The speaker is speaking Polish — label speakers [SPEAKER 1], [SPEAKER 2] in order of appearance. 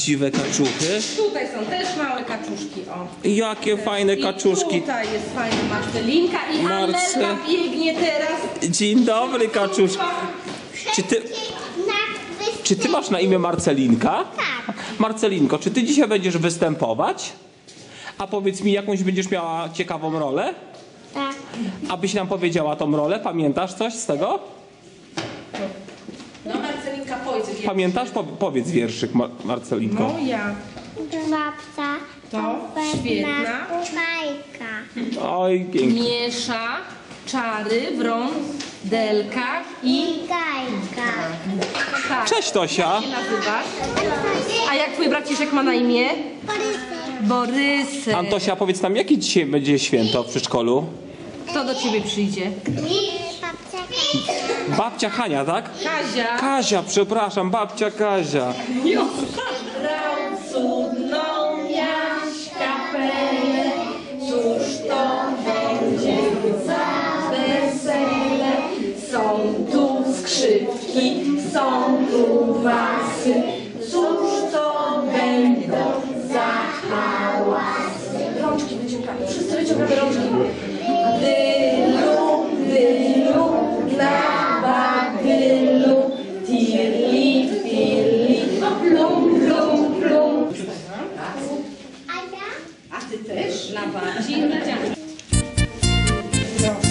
[SPEAKER 1] prawdziwe kaczuchy.
[SPEAKER 2] Tutaj są też małe kaczuszki, o.
[SPEAKER 1] Jakie fajne kaczuszki.
[SPEAKER 2] I tutaj jest fajna Marcelinka i Amelka biegnie teraz.
[SPEAKER 1] Dzień dobry, kaczuszki. Czy ty masz na imię Marcelinka?
[SPEAKER 3] Tak.
[SPEAKER 1] Marcelinko, czy ty dzisiaj będziesz występować? A powiedz mi, jakąś będziesz miała ciekawą rolę?
[SPEAKER 3] Tak.
[SPEAKER 1] Abyś nam powiedziała tą rolę? Pamiętasz coś z tego?
[SPEAKER 2] No Marcelinka, powiedz.
[SPEAKER 1] Pamiętasz? Powiedz wierszyk, Marcelinko.
[SPEAKER 2] Moja
[SPEAKER 3] Babcia
[SPEAKER 2] to świetna.
[SPEAKER 3] kuchajka.
[SPEAKER 1] Oj, pięknie.
[SPEAKER 2] Miesza czary w rondelkach i
[SPEAKER 3] Gajka.
[SPEAKER 2] tak.
[SPEAKER 1] Cześć, Tosia.
[SPEAKER 2] Jak się nazywasz? A jak twój braciszek ma na imię? Borysek.
[SPEAKER 1] Antosia, powiedz nam, jakie dzisiaj będzie święto w przedszkolu?
[SPEAKER 2] Kto do ciebie przyjdzie?
[SPEAKER 3] Babcia
[SPEAKER 1] Babcia Hania, tak?
[SPEAKER 2] Kazia.
[SPEAKER 1] Kazia, przepraszam, babcia Kazia.
[SPEAKER 2] Brał cudną jaś kapelę, cóż to będzie za wesele? Są tu skrzypki, są tu basy, cóż to będą za hałasy? Rączki wyciągamy, wszyscy wyciągamy rączki. Dylu, na badylu, tirli, firli, plum, plum, plum. A ty też? Na bardziej, na dzień.